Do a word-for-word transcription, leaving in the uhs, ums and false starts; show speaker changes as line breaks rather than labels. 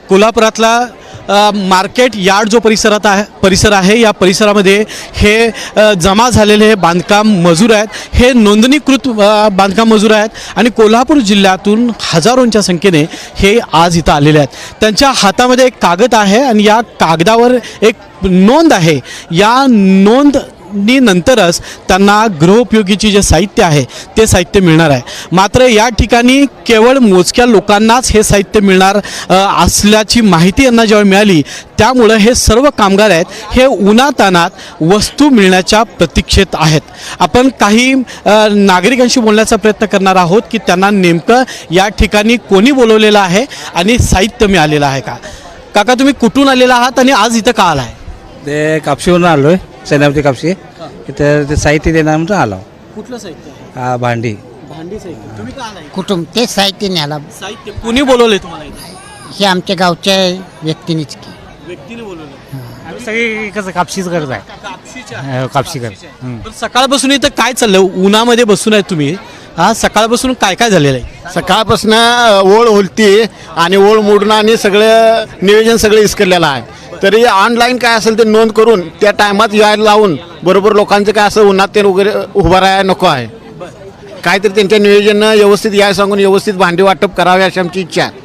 कोल्हापुरातला अ, market yard जो परिसरात आहे परिसर आहे या परिसरामध्ये हे अ, जमा झालेले हे बांधकाम मजूर आहेत. हे नोंदणीकृत अ, बांधकाम मजूर आहेत आणि कोल्हापूर जिल्ह्यातून हजारोंच्या संख्येने हे आज इथं आलेले आहेत. त्यांच्या हातामध्ये एक कागद आहे आणि या कागदावर एक नोंद आहे. या नोंद नी नंतरच त्यांना गृहोपयोगीची जे साहित्य आहे ते साहित्य मिळणार आहे. मात्र या ठिकाणी केवळ मोजक्या लोकांनाच हे साहित्य मिळणार अ, असल्याची माहिती यांना जेव्हा मिळाली त्यामुळं हे सर्व कामगार आहेत हे उन्हातान्हात वस्तू मिळण्याच्या प्रतीक्षेत आहेत. आपण काही अ, नागरिकांशी बोलण्याचा प्रयत्न करणार आहोत की त्यांना नेमकं या ठिकाणी कोणी बोलवलेलं आहे आणि साहित्य मिळालेलं आहे का. काका, तुम्ही कुठून आलेला आहात आणि आज इथं का आला आहे?
ते कापशीवरून आलो आहे, सेनापती कापशी. इथं ते साहित्य देणार म्हणून आलो.
कुठलं साहित्य?
हा, भांडी.
भांडी साहित्य. तुम्ही का आलाय?
कुटुंब तेच साहित्य न्यायला.
साहित्य कुणी बोलवले तुम्हाला इथे?
हे आमच्या गावच्या व्यक्तीनेच की.
व्यक्तीने बोलवलं.
आम्ही सगळी कसं कापशीच करत आहे.
कापशीच्या
कापशी कर
पण सकाळपासून इथं काय चाललं? उन्हामध्ये बसून आहे तुम्ही. हा, सकाळपासून काय काय झालेलं आहे?
सकाळपासून ओळ होलती आणि ओळ मोडणं आणि सगळं नियोजन सगळं इसकरलेलं आहे. तरी ऑनलाईन काय असेल ते नोंद करून त्या टायमात यायला लावून बरोबर लोकांचं काय असं उन्हात ते वगैरे उभं राहायला नको आहे. काहीतरी त्यांच्या नियोजन व्यवस्थित याय सांगून व्यवस्थित भांडी वाटप करावे अशी आमची इच्छा आहे.